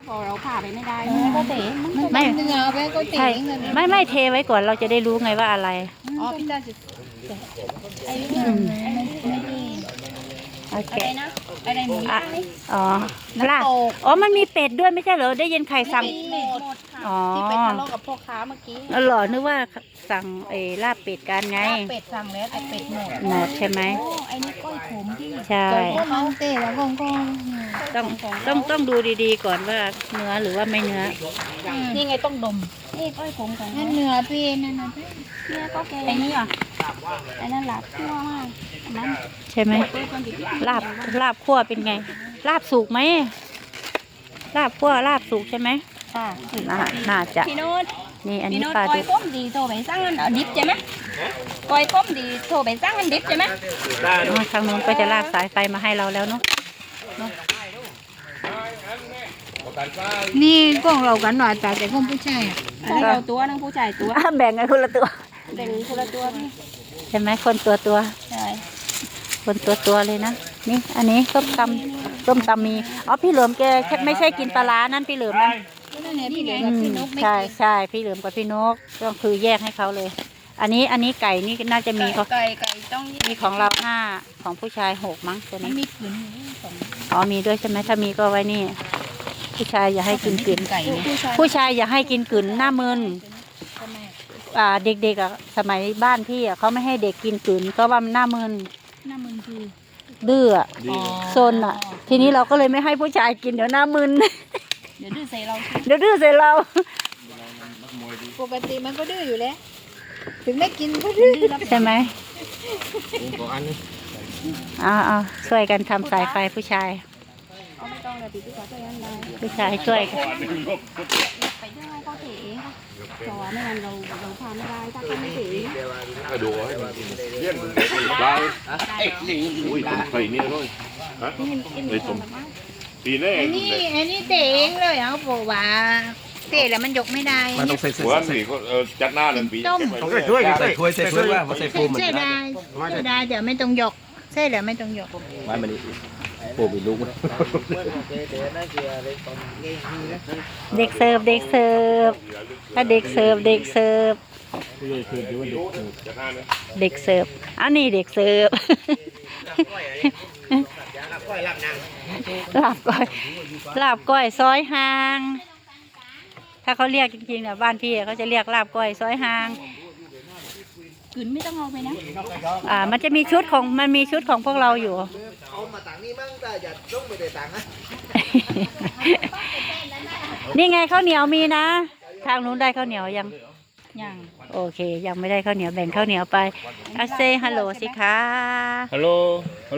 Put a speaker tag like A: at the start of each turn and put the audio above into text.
A: พอเราผ่าไปไม่ได้ก็เต๋
B: ไม่
C: เนื้อไปก็เต๋
B: ใช่
C: งเลย
B: ไม่เทไว้ก่อนเราจะได้รู้ไงว่าอะไร
C: อ๋อพี่ตาจะ
A: ไอ้นี่
B: โอเค
A: อะไรนะอะไรหมูย่างนี่
B: อ๋อลาบอ๋อมันมีเป็ดด้วยไม่ใช่เหรอได้ยินใครสั่ง
A: เป็ดหมดค่ะ
B: อ๋อ
A: ที่ไปทะเลาะกับพ่อค้าเมื่อกี้
B: เหรอนึกว่าสั่งลาบเป็ดกันไง
A: เป็ดสั่งแล้วแต่เป็ดหมด
B: หมดใช่ไหม
A: โอ้ไอ้นี่ก้อยขมพี่
B: ใช่
C: ก็มันเต๋แล้วก็
B: ต้องดูดีๆก่อนว่าเนื้อหรือว่าไม่เนื้อ
A: นี่ไงต้องดมนี่ก้อยขมของ
C: นั่นเนื้อพี่นั่นนะพี่
A: เนี่ยก็แกไอ้นี่อ่ะไอ้นั่นหลับทั่วมากอันนั้น
B: ใช่ไหมลาบคั่วเป็นไง ลาบสุกไหมลาบคั่วลาบสุกใช่ไหม
A: ค่ะ
B: น่าจะ
A: พี่โน้ต
B: นี่อัน
A: พี่
B: นี้
A: โน้ต
B: ปลา
A: ก้อ
B: ดุ
A: ย
B: ก
A: ต้มดีโทรไปสั่งอันดิบใช่ไหมก้อยต้มดีโทรไปสั่งอันดิบใช่ไหม
B: อ๋อทางนู้นก็จะลากสายไฟมาให้เราแล้วเนาะ
C: นี่กล้องเรากันหน่อยแต่ของผู้ชาย
A: ใช่เราตัวนึงผู้ชายตัว
B: แบ่งกันคนละตัว
A: แบ่งคนละตัวพี่
B: ใช่ไหมคนตัว
A: ใช่
B: คนตัวเลยนะนี่อันนี้ส้มตำมีอ๋อพี่เหลิมแกไม่ใช่กินปลาร้านั่นพี่เหลิมนะ
C: นั่นแหละพี่เหลือ
B: อื
C: กับ
B: ม
C: พี่นกไม่
B: ใช่พี่เหลิมกับพี่นกก็คือแยกให้เขาเลย อันนี้ไก่นี่น่าจะมีของ
A: ไก่ต้อง
B: มีของเรา5ของผู้ชาย6มั้งตัว
C: มัน
B: นี้
C: มีขืนสอง
B: อ๋อมีด้วยใช่ไหมถ้ามีก็ไว้นี่ ผู้ชายอย่าให้กินกลืน
C: ไก่เนี่ย
B: ผู้ชายอย่าให้กินกลืนหน้ามึนเด็กๆอ่ะสมัยบ้านพี่อ่ะเขาไม่ให้เด็กกินกลืนก็ว่ามันหน้ามึน
C: หน้ามึนคือ
B: ดื้ออ่ะซนอ่ะ ทีนี้เราก็เลยไม่ให้ผู้ชายกินเดี๋ยวหน้ามึน
A: เดี๋ยวดื้อใส่เรา
B: เดี๋ยวดื้อใส่เรา
C: ปกติมันก็ดื้ออยู่แล้วถึงไม่กินก็ดื้อ
B: ใช่ไหมเอาช่วยกันทำสายไฟผู้ชาย
A: เอาไม่ต้องเลยพี่ผู้ชายก็ยังได้
B: ผู้ชายช่วยกัน
A: ไปได้เขาเถอะเพราะว่าไม่งั้นเราทานไม่ได้ถ้าเขาไม่เถอะ
D: กระดูกให้เลี้ยงปลาอุ้ยต้มไข่เนี่ยด้วยฮะไอ้ต้มปีแรก
C: อันนี้เต๋งเลยเขาบอกว่าเต๋แล้วมันยกไม่ได้
E: มันต้องใส่เสื้
D: หั
E: อ
D: วนี่ก็จัดหน้าเลยปี
E: ต้องใส่ถ้วยใส่ถ้วยใส่ถ้วยว่าใส่ฟูมัน
C: ใช่ได้ใช่ได้เดี๋ยวไม่ต้องยกใช่แล้วไม่ต้องยก
E: ไม้มันนี่ปูมีลูกนะ
B: เด็กเสิร์ฟถ้าเด็กเสิร์ฟ
D: จัดหน้าเลย
B: เด็กเสิร์ฟอันนี้เด็กเสิร์ฟลาบก้อยซอยหาง ถ้าเขาเรียกจริงๆเนี่ยบ้านพี่เขาจะเรียกลาบก้อยซอยหาง
A: กลืนไม่ต้องเอาไปนะ
B: มันจะมีชุดของพวกเราอยู่ นี่ไงข้าวเหนียวมีนะ ทางนู้นได้ข้าวเหนียวยัง
A: อย่าง
B: โอเค ยังไม่ได้ข้าวเหนียวแบ่งข้าวเหนียวไปอาเซฮัลโหลสิคะ
D: ฮัลโหล